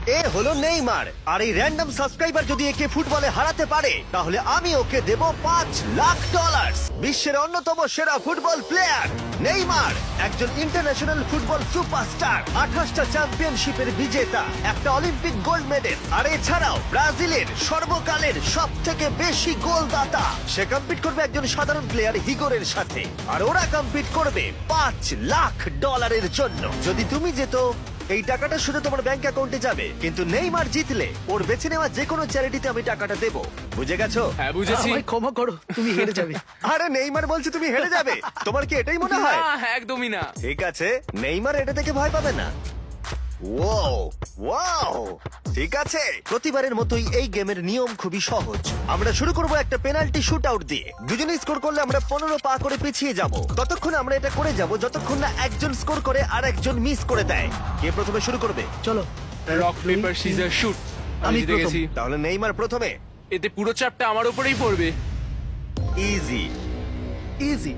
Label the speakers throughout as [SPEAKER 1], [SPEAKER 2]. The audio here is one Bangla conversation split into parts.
[SPEAKER 1] এ হলো নেইমার, আর এই র্যান্ডম সাবস্ক্রাইবার যদি একে ফুটবলে হারাতে পারে তাহলে আমি ওকে দেব $5 লাখ। বিশ্বের অন্যতম সেরা ফুটবল প্লেয়ার নেইমার একজন ইন্টারন্যাশনাল ফুটবল সুপারস্টার, 28টা চ্যাম্পিয়নশিপের বিজেতা, একটা অলিম্পিক গোল্ড মেডেল, আর এছাড়াও ব্রাজিলের সর্বকালের সব থেকে বেশি গোলদাতা। সে কম্পিট করবে একজন সাধারণ প্লেয়ার হিগোরের সাথে, আর ওরা কম্পিট করবে $5 লাখ জন্য। যদি তুমি যেত এই টাকাটা শুধু তোমার ব্যাংক অ্যাকাউন্টে যাবে, কিন্তু নেইমার জিতলে ওর বেছে নেওয়া যে কোনো চ্যারিটিতে আমি টাকাটা দেবো। বুঝে গেছো?
[SPEAKER 2] হ্যাঁ বুঝেছি।
[SPEAKER 3] আমায় ক্ষমা করো, তুমি হেরে যাবে।
[SPEAKER 1] আরে নেইমার বলছে তুমি হেরে যাবে, তোমার কি এটাই মনে হয়?
[SPEAKER 2] না, একদমই না।
[SPEAKER 1] ঠিক আছে, নেইমার এটা থেকে ভয় পাবে না। ওয়াও ওয়াও, ঠিক আছে। প্রতিবারের মতোই এই গেমের নিয়ম খুবই সহজ। আমরা শুরু করব একটা পেনাল্টি শুট আউট দিয়ে। দুজনে স্কোর করলে আমরা 15 পা করে পিছিয়ে যাব। ততক্ষণ আমরা এটা করে যাব যতক্ষণ না একজন স্কোর করে আর একজন মিস করে দেয়। কে প্রথমে শুরু করবে?
[SPEAKER 3] চলো।
[SPEAKER 2] Rock paper scissor shoot. আমি
[SPEAKER 3] আমি
[SPEAKER 2] জিতে
[SPEAKER 3] প্রথম।
[SPEAKER 2] গেছি।
[SPEAKER 1] তাহলে নেইমার প্রথমে।
[SPEAKER 2] এতে পুরো চাপটা আমার উপরেই পড়বে।
[SPEAKER 1] ইজি।
[SPEAKER 3] ইজি।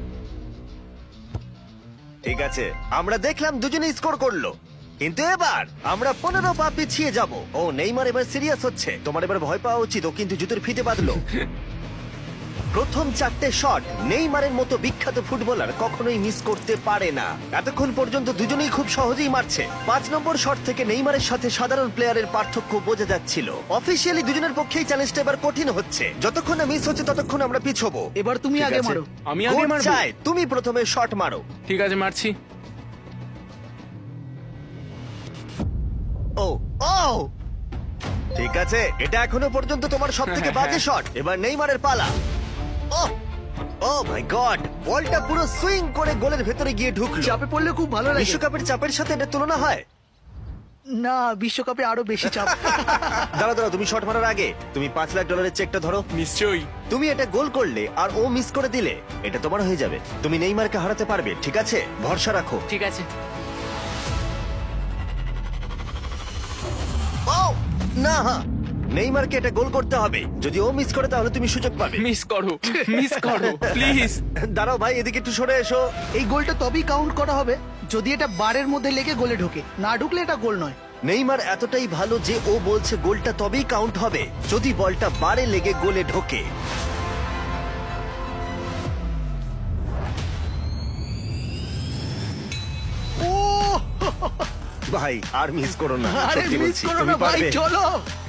[SPEAKER 1] ঠিক আছে, আমরা দেখলাম দুজনে স্কোর করলো, কিন্তু এবার আমরা 15 পা পিছিয়ে যাব। ও নেইমার এবার সিরিয়াস হচ্ছে। তোমার এবার ভয় পাওয়া উচিত, ও কিন্তু জুতোর ফিতে বাঁধলো। প্রথম 4টে শট নেইমারের মতো বিখ্যাত ফুটবলার কখনোই মিস করতে পারে না। এতক্ষণ পর্যন্ত দুজনেই খুব সহজেই মারছে। 5 নম্বর শট থেকে নেইমারের সাথে সাধারণ প্লেয়ারের পার্থক্য বোঝা যাচ্ছিল। অফিসিয়ালি দুজনের পক্ষেই চ্যালেঞ্জটা এবার কঠিন হচ্ছে। যতক্ষণ না মিস হচ্ছে ততক্ষণ আমরা পিছবো।
[SPEAKER 3] এবার তুমি
[SPEAKER 1] ঠিক
[SPEAKER 3] আগে
[SPEAKER 1] আছে?
[SPEAKER 3] মারো।
[SPEAKER 2] আমি আগে
[SPEAKER 1] কোচ
[SPEAKER 2] মারবো?
[SPEAKER 1] চায় তুমি প্রথমে শট মারো।
[SPEAKER 2] ঠিক আছে, মারছি।
[SPEAKER 1] ও ও, ঠিক আছে, এটা এখনো পর্যন্ত তোমার সবথেকে বাজে শট। এবার নেইমারের পালা। ও ও মাই গড, বলটা পুরো সুইং করে গোলের ভেতরে গিয়ে ঢুকলো।
[SPEAKER 3] চাপে পড়লে খুব ভালো লাগে।
[SPEAKER 1] বিশ্বকাপের চাপের সাথে এটা তুলনা হয়?
[SPEAKER 3] না, বিশ্বকাপে আরো বেশি চাপ।
[SPEAKER 1] দাঁড়াও দাঁড়াও, তুমি শট মারার আগে তুমি $5 লাখ চেকটা ধরো।
[SPEAKER 2] নিশ্চয়ই।
[SPEAKER 1] তুমি এটা গোল করলে আর ও মিস করে দিলে এটা তোমার হয়ে যাবে। তুমি নেইমারকে হারাতে পারবে, ঠিক আছে? ভরসা রাখো।
[SPEAKER 2] ঠিক আছে।
[SPEAKER 1] ও না, নেইমারকে এটা গোল করতে হবে। যদি ও মিস করে তাহলে তুমি সুযোগ পাবে।
[SPEAKER 2] মিস করো, মিস করো প্লিজ।
[SPEAKER 1] দাঁড়াও ভাই, এদিকে একটু সরে এসো।
[SPEAKER 3] এই গোলটা তবেই কাউন্ট করা হবে যদি এটা বারের মধ্যে লেগে গোলে ঢোকে। না ঢুকলে এটা গোল নয়।
[SPEAKER 1] নেইমার এতটাই ভালো যে ও বলছে গোলটা তবেই কাউন্ট হবে যদি বলটা বারে লেগে গোলে ঢোকে।
[SPEAKER 3] ও
[SPEAKER 1] ভাই আর মিস করো না,
[SPEAKER 3] আরে
[SPEAKER 1] সত্যি
[SPEAKER 3] মিস
[SPEAKER 1] বলছি,
[SPEAKER 3] করো
[SPEAKER 1] তুমি
[SPEAKER 3] না ভাই,
[SPEAKER 1] পারবে।
[SPEAKER 3] চলো।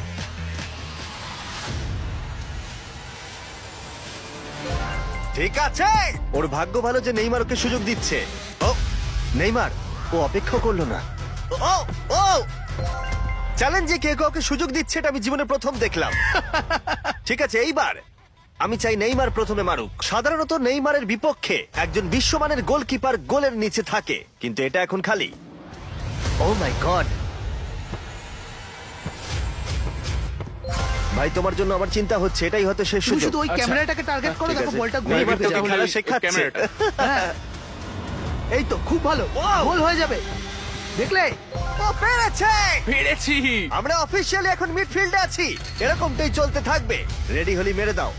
[SPEAKER 1] ঠিক আছে, ওর ভাগ্য ভালো যে নেইমার ওকে সুযোগ দিচ্ছে। ও নেইমার, ও অপেক্ষা করলো না। ও ও, চ্যালেঞ্জে কে কাউকে সুযোগ দিচ্ছে এটা আমি জীবনে প্রথম দেখলাম। ঠিক আছে, এইবার আমি চাই নেইমার প্রথমে মারুক। সাধারণত নেইমারের বিপক্ষে একজন বিশ্বমানের গোলকিপার গোলের নিচে থাকে, কিন্তু এটা এখন খালি। ও মাই গড, ভাই তোমার জন্য আমার চিন্তা হচ্ছে। এটাই হয়তো শেষ
[SPEAKER 3] তুমি
[SPEAKER 1] সুযোগ।
[SPEAKER 3] শুধু ওই
[SPEAKER 2] আচ্ছা।
[SPEAKER 3] ক্যামেরাটাকে টার্গেট করো,
[SPEAKER 1] ঠিক
[SPEAKER 3] দেখো
[SPEAKER 1] আছে।
[SPEAKER 3] বলটা গোলে
[SPEAKER 1] নেইমার
[SPEAKER 3] ঢুকে
[SPEAKER 1] তোকে
[SPEAKER 3] যাবে।
[SPEAKER 1] খেলা শেখাচ্ছে।
[SPEAKER 2] ক্যামেরাটা।
[SPEAKER 3] হ্যাঁ। এই তো খুব ভালো, গোল হয়ে যাবে। দেখলে?
[SPEAKER 1] ও পেরেছে!
[SPEAKER 2] পেরেছি।
[SPEAKER 1] আমরা অফিসিয়ালি এখন মিডফিল্ডে আছি। এরকমটাই চলতে থাকবে। রেডি হলি মেরে দাও।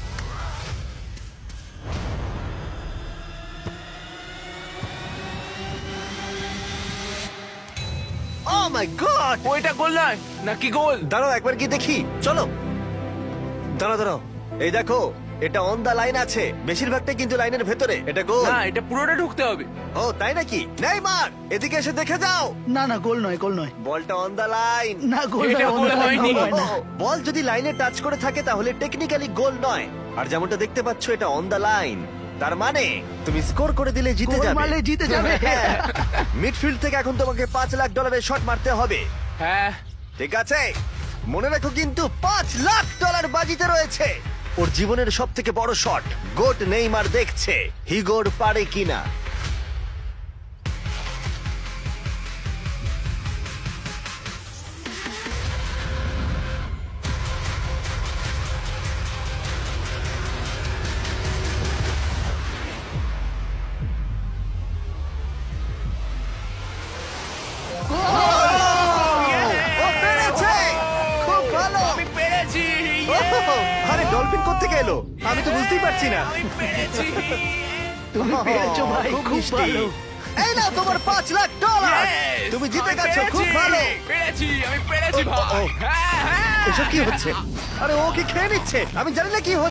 [SPEAKER 1] Oh my god!
[SPEAKER 2] ওইটা গোল নয় নাকি গোল?
[SPEAKER 1] দাঁড়াও একবার কি দেখি, চলো। দাঁড়াও দাঁড়াও, এই দেখো, এটা অন দা লাইন আছে। বেশিরভাগটাই কিন্তু লাইনের ভেতরে। এটা গোল।
[SPEAKER 2] না, এটা পুরোটা ঢুকতে হবে।
[SPEAKER 1] ও তাই নাকি? নেইমার এদিকে এসে দেখে যাও।
[SPEAKER 3] না না, গোল নয়, গোল নয়।
[SPEAKER 1] বলটা অন দা লাইন।
[SPEAKER 3] না, গোল
[SPEAKER 2] এটা
[SPEAKER 3] নয়,
[SPEAKER 2] গোল
[SPEAKER 3] অন্য
[SPEAKER 2] হয়নি।
[SPEAKER 3] গোল হয় না।
[SPEAKER 1] বল যদি লাইনে টাচ করে থাকে তাহলে টেকনিক্যালি গোল নয়। আর যেমনটা দেখতে পাচ্ছ এটা অন দা লাইন, তার মানে তুমি স্কোর করে দিলে জিতে
[SPEAKER 3] গোল
[SPEAKER 1] যাবে।
[SPEAKER 3] মারলে জিতে যাবে।
[SPEAKER 1] মিডফিল্ড থেকে এখন তোমাকে $5 লাখ শট মারতে হবে।
[SPEAKER 2] হ্যাঁ।
[SPEAKER 1] ঠিক আছে, মনে রাখো কিন্তু $5 লাখ বাজিতে রয়েছে। ওর জীবনের সব থেকে বড় শট গোট নেইমার দেখছে হিগোর পারে কিনা। ও পেরেছে! খুব ভালো!
[SPEAKER 2] আমি পেরেছি।
[SPEAKER 1] আরে ডলফিন কোত্থেকে এলো? আমি তো বুঝতেই পারছি না।
[SPEAKER 2] আমি পেরেছি।
[SPEAKER 3] তুমি পেরেছো ভাই,
[SPEAKER 1] খুব
[SPEAKER 3] খুব
[SPEAKER 1] মিষ্টি।
[SPEAKER 3] ভালো।
[SPEAKER 1] এই নাও তোমার $5,00,000
[SPEAKER 2] Yes!
[SPEAKER 1] তুমি জিতে
[SPEAKER 2] আমি
[SPEAKER 1] গেছো, খুব
[SPEAKER 2] পেরেছি!
[SPEAKER 1] ভালো।
[SPEAKER 2] আমি পেরেছি
[SPEAKER 1] ও, ও,
[SPEAKER 2] ভাই
[SPEAKER 1] ও।
[SPEAKER 2] হ্যাঁ হ্যাঁ
[SPEAKER 1] এসব কি হচ্ছে? আরে ও কি খেয়ে নিচ্ছে? আমি জানি না কি হচ্ছে।